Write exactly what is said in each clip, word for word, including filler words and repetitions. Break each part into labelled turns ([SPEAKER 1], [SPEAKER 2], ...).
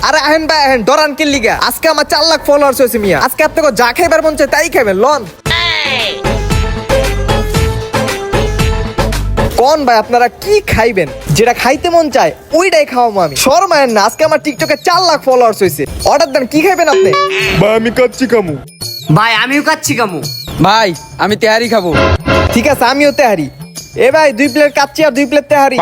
[SPEAKER 1] আরে আহেন ভাই আহেন, ডরান কি লিগা? আজকে আমার চার লাখ ফলোয়ার্স হয়েছে মিয়া। আজকে আপনাকে যা খাইবার মন চায় তাই খাবেন, লন। কোন ভাই আপনারা কি খাইবেন? যেটা খাইতে মন চায় ওইটাই খাওয়াবো আমি। শর্মায়েন না, আজকে আমার টিকটকে চার লাখ ফলোয়ার্স হয়েছে। অর্ডার দেন, কি খাইবেন আপনি?
[SPEAKER 2] ভাই আমি কাচ্চি কামু।
[SPEAKER 3] ভাই আমিও কাচ্ছি কামু।
[SPEAKER 4] ভাই আমি তেহারি খাবো।
[SPEAKER 1] ঠিক আছে, আমিও তেহারি। এ ভাই দুই প্লেট কাচ্চি আর দুই প্লেট তেহারি।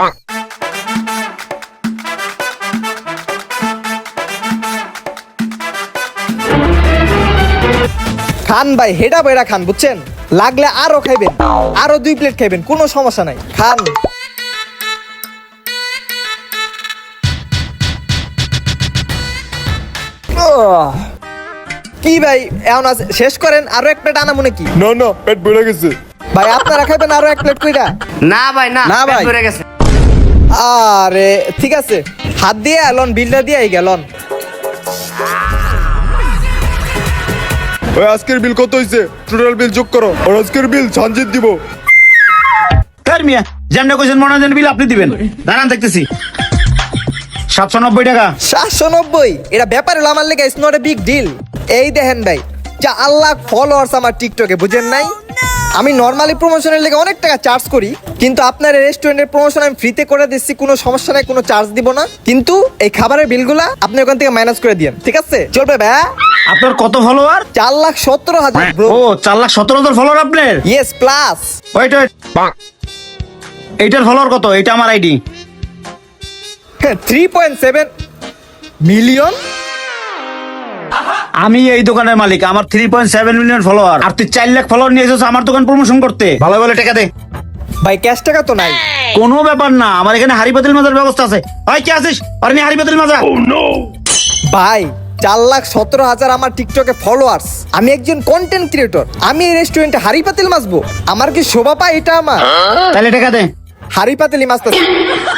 [SPEAKER 1] খান ভাই, হেডা বেড়া খান, বুঝছেন? লাগলে আরো খাইবেন, আরো দুই প্লেট খাইবেন, কোনো সমস্যা নাই, খান। আহ, কি ভাই এখন আছে, শেষ করেন, আরো এক প্লেট আনা মনে কি?
[SPEAKER 2] না না পেট বেড়ে গেছে।
[SPEAKER 1] ভাই আপনারা খাইবেন আরো এক প্লেট কইরা?
[SPEAKER 3] না ভাই না,
[SPEAKER 4] না
[SPEAKER 3] পেট
[SPEAKER 4] ভাই।
[SPEAKER 3] ভরে গেছে।
[SPEAKER 1] আরে ঠিক আছে, হাত দিয়ে লন, বিলটা দিয়ে গেলন।
[SPEAKER 2] ওই আজকের বিল কত হইছে? টোটাল বিল যোগ করো, আর আজকের বিল সানজিৎ দিব।
[SPEAKER 5] ফের মিয়া যেমন কইছেন মনে হয় বিল আপনি দিবেন। দাঁড়ান দেখতেছি। সাতশো নব্বই টাকা।
[SPEAKER 1] সাতশো নব্বই, এটা ব্যাপার হলো আমার লেগে, it's not a big deal. এই দেখেন ভাই, যা আল্লাহ ফলোয়ার্স আমার টিকটকে, বুঝেন নাই? আমি নর্মালি প্রমোশনের লেগে অনেক টাকা চার্জ করি, কিন্তু আপনার রেস্টুরেন্টের প্রমোশন আমি ফ্রিতে করে দিচ্ছি, কোনো সমস্যা নাই, কোনো চার্জ দিব না। কিন্তু এই খাবারের বিলগুলা আপনি ওখান থেকে মাইনাস করে দিয়েন, ঠিক আছে? চলবে ভাই?
[SPEAKER 5] আপনার কত ফলোয়ার?
[SPEAKER 1] চার লাখ সতেরো হাজার ব্রো।
[SPEAKER 5] ও চার লাখ সতেরো হাজার ফলোয়ার আপনার?
[SPEAKER 1] Yes plus.
[SPEAKER 5] ওয়েট ওয়েট, এইটার ফলোয়ার কত? এটা আমার ID.
[SPEAKER 1] Three point seven million.
[SPEAKER 5] আমি এই দোকানের মালিক, আমার three point seven million follower, আর তুই চার লাখ ফলোয়ার নিয়ে এসেছিস আমার দোকান প্রমোশন করতে। ভালো ভালো টাকা দে।
[SPEAKER 1] ভাই ক্যাশ টাকা তো নাই।
[SPEAKER 5] কোনো ব্যাপার না, আমার এখানে হাড়ি পাতিল মাজার ব্যবস্থা আছে। ভাই কে আছিস? আর নি হাড়ি পাতিল মাজা।
[SPEAKER 1] ভাই চার লাখ সতেরো হাজার আমার টিকটকে ফলোয়ার্স, আমি একজন কন্টেন্ট ক্রিয়েটর, আমি এই রেস্টুরেন্টে হাড়ি পাতিল মাছবো? আমার কি শোভা পায় এটা? আমার
[SPEAKER 5] তাহলে টাকা দে।
[SPEAKER 1] হাড়ি পাতিলি মাছটা